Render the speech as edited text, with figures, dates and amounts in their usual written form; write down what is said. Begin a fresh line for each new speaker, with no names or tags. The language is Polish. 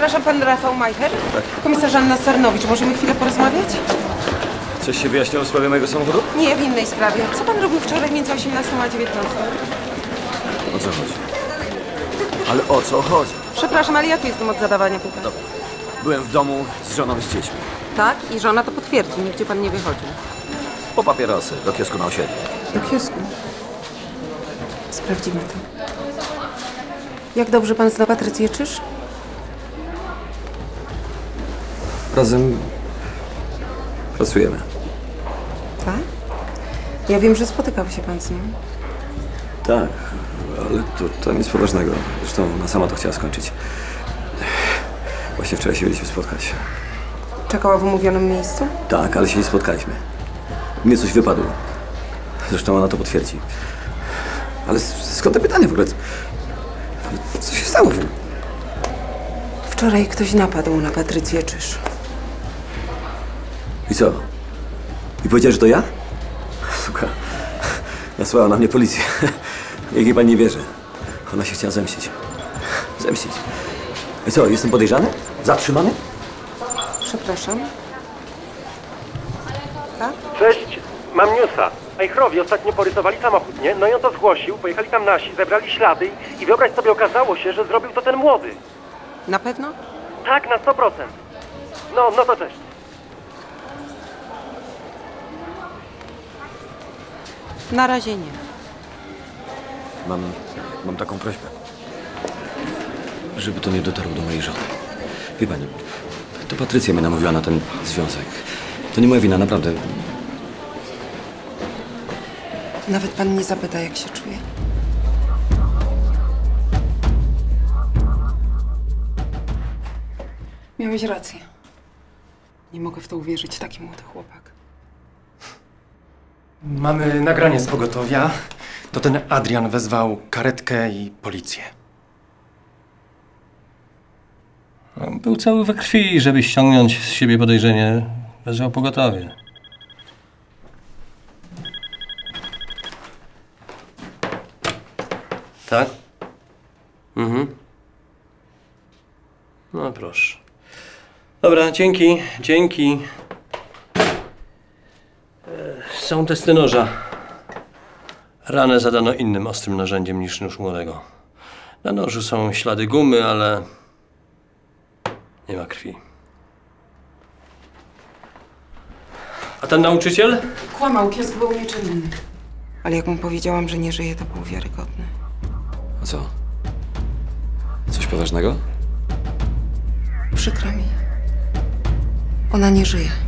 Przepraszam, pan Rafał Majcher?
Tak.
Komisarz Anna Sarnowicz, możemy chwilę porozmawiać?
Coś się wyjaśniło w sprawie mojego samochodu?
Nie, w innej sprawie. Co pan robił wczoraj między 18 a 19?
O co chodzi? Ale o co chodzi?
Przepraszam, ale ja tu jestem od zadawania pytań.
Dobra. Byłem w domu z żoną i z dziećmi.
Tak? I żona to potwierdzi. Nigdzie pan nie wychodził.
Po papierosy, do kiosku na osiedlu.
Do kiosku. Sprawdzimy to. Jak dobrze pan zna Patrycję Czyż?
Razem pracujemy.
Tak? Ja wiem, że spotykał się pan z nią.
Tak, ale to nic poważnego. Zresztą ona sama to chciała skończyć. Właśnie wczoraj się mieliśmy spotkać.
Czekała w umówionym miejscu?
Tak, ale się nie spotkaliśmy. Mnie coś wypadło. Zresztą ona to potwierdzi. Ale skąd te pytania w ogóle? Co się stało?
Wczoraj ktoś napadł na Patrycję Czyż.
I co? I powiedziała, że to ja? Suka. Nasłała na mnie policję. Jak jej pani nie wierzy. Ona się chciała zemścić. Zemścić. I co, jestem podejrzany? Zatrzymany?
Przepraszam. Tak?
Cześć, mam newsa. Majchrowie ostatnio porysowali samochód, nie? No i on to zgłosił, pojechali tam nasi, zebrali ślady i wyobraź sobie, okazało się, że zrobił to ten młody.
Na pewno?
Tak, na 100%. No to cześć.
Na razie nie.
Mam taką prośbę. Żeby to nie dotarło do mojej żony. Wie pani, to Patrycja mnie namówiła na ten związek. To nie moja wina, naprawdę.
Nawet pan nie zapyta, jak się czuje. Miałeś rację. Nie mogę w to uwierzyć, taki młody chłopak.
Mamy nagranie z pogotowia. To ten Adrian wezwał karetkę i policję.
Był cały we krwi, żeby ściągnąć z siebie podejrzenie. Wezwał pogotowie. Tak? No proszę. Dobra, dzięki. Są testy noża. Ranę zadano innym ostrym narzędziem niż nóż młodego. Na nożu są ślady gumy, ale nie ma krwi. A ten nauczyciel?
Kłamał, kiosk był nieczynny. Ale jak mu powiedziałam, że nie żyje, to był wiarygodny.
A co? Coś poważnego?
Przykro mi. Ona nie żyje.